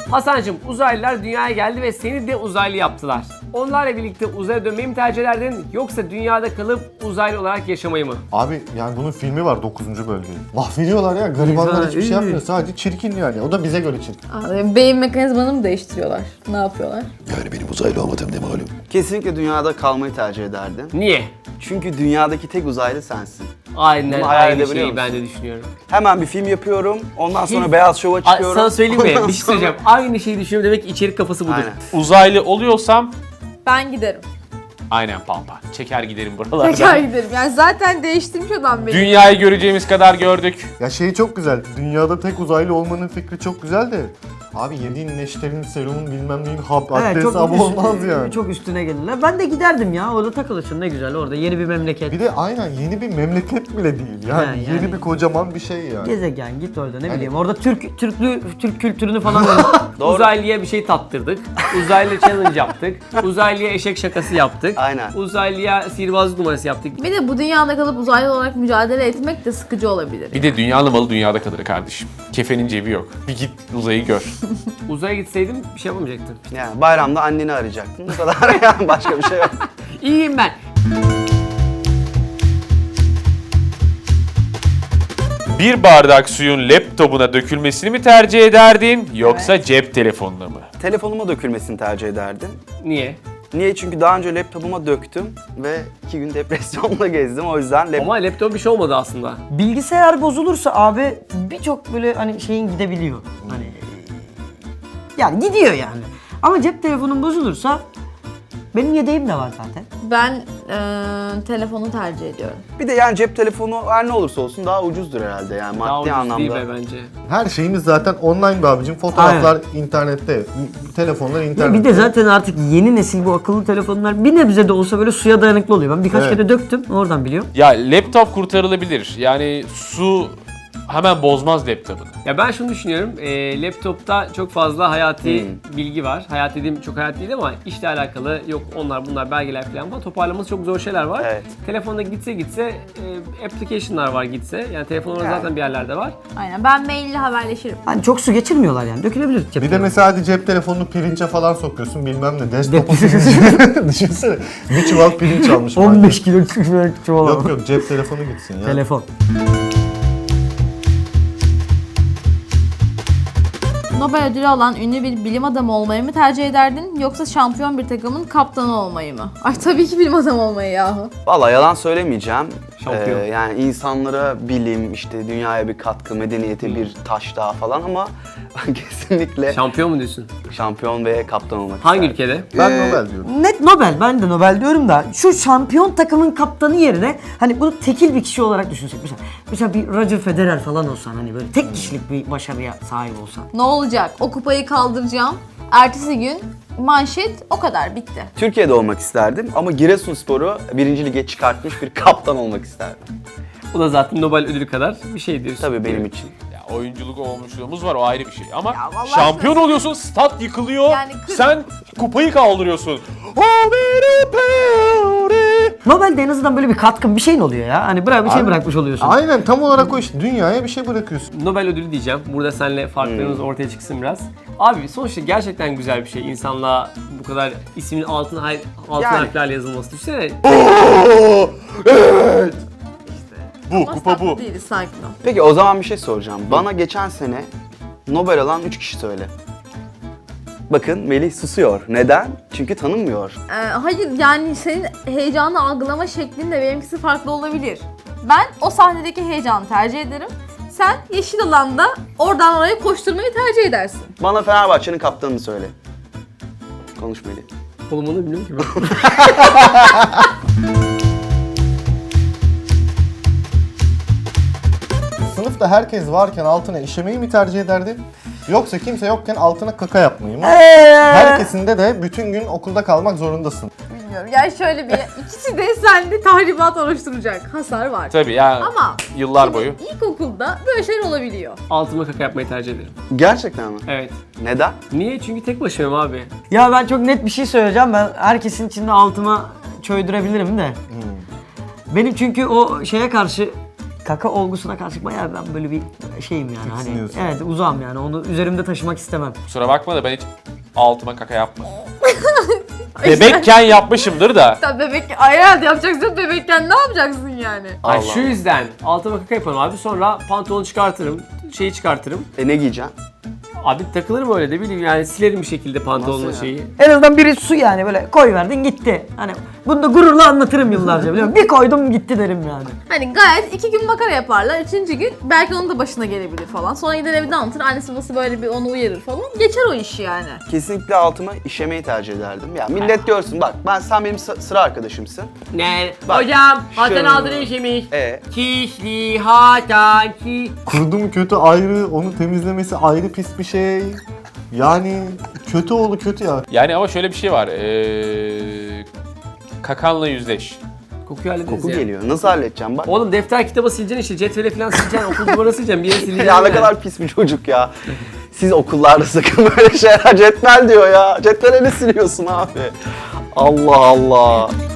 Hasancığım, uzaylılar dünyaya geldi ve seni de uzaylı yaptılar. Onlarla birlikte uzaya dönmeyi mi tercih ederdin yoksa dünyada kalıp uzaylı olarak yaşamayı mı? Abi yani bunun filmi var 9. bölge. Mahvediyorlar ya, garibanlar hiçbir şey yapmıyor. Sadece çirkin yani. O da bize göre çirkin. Abi, beyin mekanizmanı mı değiştiriyorlar? Ne yapıyorlar? Yani benim uzaylı olmadığım ne malum. Kesinlikle dünyada kalmayı tercih ederdim. Niye? Çünkü dünyadaki tek uzaylı sensin. Aynen Bunu hayal aynı edebiliyor şeyi ben musun? de düşünüyorum. Hemen bir film yapıyorum, ondan sonra Beyaz Şov'a çıkıyorum. Sana söyleyeyim mi? Ondan Bir şey sonra- söyleyeceğim. Aynı şeyi düşünüyorum demek ki içerik kafası budur. Aynen. Uzaylı oluyorsam Ben giderim. aynen pampa. Çeker giderim buralardan. Tekrar giderim. Yani zaten değiştirmiş adam beni. Dünyayı göreceğimiz kadar gördük. Ya şey çok güzel. Dünyada tek uzaylı olmanın fikri çok güzel de. Abi yediğin neşterin, serumun bilmem neyin haddi hesabı olmaz yani. Çok üstüne gelirler. Ben de giderdim ya. Orada takılırsın ne güzel orada. Yeni bir memleket. Bir de aynen yeni bir memleket bile değil. Yani, Ha, yani. yeni bir kocaman bir şey yani. Gezegen git orada ne Hani- bileyim. Orada Türk kültürünü falan Doğru. Uzaylıya bir şey tattırdık. Uzaylı challenge yaptık. Uzaylıya eşek şakası yaptık. Aynen. Uzaylıya sihirbazlık numarası yaptık. Bir de bu dünyada kalıp uzaylı olarak mücadele etmek de sıkıcı olabilir. Bir de dünyalı malı dünyada kalır kardeşim. Kefenin cebi yok. Bir git uzayı gör. Uzaya gitseydim bir şey yapamayacaktım. Yani bayramda anneni arayacaktın. Bu kadar yani, başka bir şey yok. İyiyim ben. Bir bardak suyun laptopuna dökülmesini mi tercih ederdin yoksa cep telefonuna mı? Telefonuma dökülmesini tercih ederdim. Niye? Niye? Çünkü daha önce laptopuma döktüm ve 2 gün depresyonla gezdim. O yüzden Ama laptop bir şey olmadı aslında. Bilgisayar bozulursa abi birçok böyle hani şeyin gidebiliyor. Hani yani gidiyor yani. Ama cep telefonun bozulursa benim yedeğim de var zaten. Ben telefonu tercih ediyorum. bir de yani cep telefonu her ne olursa olsun daha ucuzdur herhalde yani Daha maddi ucuz anlamda. değil be bence. Her şeyimiz zaten online be abicim. Fotoğraflar internette, telefonlar internette. Bir de zaten artık yeni nesil bu akıllı telefonlar bir nebze de olsa böyle suya dayanıklı oluyor. Ben birkaç Evet. kere döktüm oradan biliyorum. Ya laptop kurtarılabilir. Yani su hemen bozmaz laptopunu. Ya ben şunu düşünüyorum, laptopta çok fazla hayati bilgi var. Hayat dediğim çok hayat değil ama işle alakalı yok onlar bunlar belgeler falan var. Toparlaması çok zor şeyler var. Evet. Telefonda gitse application'lar var gitse. Yani telefon orada zaten bir yerlerde var. Aynen. Ben maille haberleşirim. Hani çok su geçirmiyorlar yani dökülebilir cep Bir de telefonu. mesela hadi cep telefonunu pirince falan sokuyorsun bilmem ne. Desktop'u düşünsene. Bir çuval pirinç almış. 15 kilo çuval. Yok yok cep telefonu gitsin ya. Telefon. Nobel ödülü alan ünlü bir bilim adamı olmayı mı tercih ederdin yoksa şampiyon bir takımın kaptanı olmayı mı? Ay tabii ki bilim adamı olmayı yahu. Vallahi yalan söylemeyeceğim. Şampiyon. Yani insanlara bilim, işte dünyaya bir katkı, medeniyete bir taş daha falan ama kesinlikle Şampiyon mu diyorsun? şampiyon ve kaptan olmak Hangi isterdim. ülkede? Ben Nobel diyorum. Net Nobel. Ben de Nobel diyorum da şu şampiyon takımın kaptanı yerine hani bunu tekil bir kişi olarak düşünsek. Mesela bir Roger Federer falan olsan hani böyle tek kişilik bir başarıya sahip olsan. Ne olacak? O kupayı kaldıracağım. Ertesi gün manşet o kadar bitti. Türkiye'de olmak isterdim ama Giresunspor'u 1. lige çıkartmış bir kaptan olmak isterdim. O da zaten Nobel ödülü kadar bir şey diyorsun. Tabii benim için. Ya oyunculuk olmuşluğumuz var o ayrı bir şey ama Ya vallahi şampiyon oluyorsun, stat yıkılıyor, Yani sen kupayı kaldırıyorsun. Nobel'de en azından böyle bir katkın bir şeyin oluyor ya. Hani bir şey Abi, bırakmış oluyorsun. Aynen tam olarak o işte. Dünyaya bir şey bırakıyorsun. Nobel ödülü diyeceğim. Burada seninle farklarımız ortaya çıksın biraz. Abi sonuçta gerçekten güzel bir şey. İnsanlığa bu kadar ismin altın Yani. harflerle yazılması. Düşünsene. Bu, kupa bu. Değiliz, sakin ol. Peki o zaman bir şey soracağım. Bana geçen sene Nobel alan 3 kişi söyle. Bakın Melih susuyor. Neden? Çünkü tanınmıyor. Hayır yani senin heyecanı algılama şeklin de benimkisi farklı olabilir. Ben o sahnedeki heyecanı tercih ederim. Sen yeşil alanda oradan oraya koşturmayı tercih edersin. Bana Fenerbahçe'nin kaptanını söyle. Konuş Melih. Oğlum onu bilmiyorum ki ben. Sınıfta herkes varken altına işemeyi mi tercih ederdin? Yoksa kimse yokken altına kaka yapmayı mı? Herkesinde de bütün gün okulda kalmak zorundasın. Bilmiyorum. Yani şöyle bir ikisi de sende tahribat oluşturacak hasar var. Tabii ya Ama yıllar boyu. ilkokulda böyle şeyler olabiliyor. Altıma kaka yapmayı tercih ederim. Gerçekten mi? Evet. Neden? Niye? Çünkü tek başımayım abi. Ya ben çok net bir şey söyleyeceğim. Ben herkesin içinde altıma çöydürebilirim de. Benim çünkü o şeye karşı kaka olgusuna karşı bayağı ben böyle bir şeyim yani. Hani, Tiksiniyorsun. evet uzağım yani. Onu üzerimde taşımak istemem. Kusura bakma da ben hiç altıma kaka yapmadım. Bebekken yapmışımdır da. Tabii bebek herhalde yapacaksın, bebekken ne yapacaksın yani? Ay Allah şu yüzden altıma kaka yaparım abi, sonra pantolonu çıkartırım, şeyi çıkartırım. Ne giyeceksin? Abi takılırım öyle de bileyim yani, silerim bir şekilde pantolonun Nasıl ya? şeyi. En azından biri su yani böyle koy verdin gitti. Hani bunu da gururla anlatırım yıllarca biliyor musun? Bir koydum gitti derim yani. Hani gayet 2 gün makara yaparlar, 3. gün belki onun da başına gelebilir falan. Sonra gider evde anlatır, annesi babası böyle bir onu uyarır falan. Geçer o iş yani. Kesinlikle altıma işemeyi tercih ederdim. Ya millet görsün bak, sen benim sıra arkadaşımsın. Ne? Bak, Hocam Hasan şöyle. aldığını işemiş. E Kişli hatan ki. Kurdu mu kötü ayrı, onu temizlemesi ayrı pis bir şey. Yani kötü oğlu kötü ya. Yani ama şöyle bir şey var. Kakanla yüzleş. Kokuyu hallederiz koku ya. geliyor. Nasıl halledeceğim bak. Oğlum defter kitabı sileceksin işte, cetvele falan sileceksin, okul duvarı sileceksin, bir yere sileceksin. Ya ne yani. kadar pis bir çocuk ya. Siz okullarda sakın böyle şeyler, cetvel diyor ya. Cetvele ne siliyorsun abi? Allah Allah.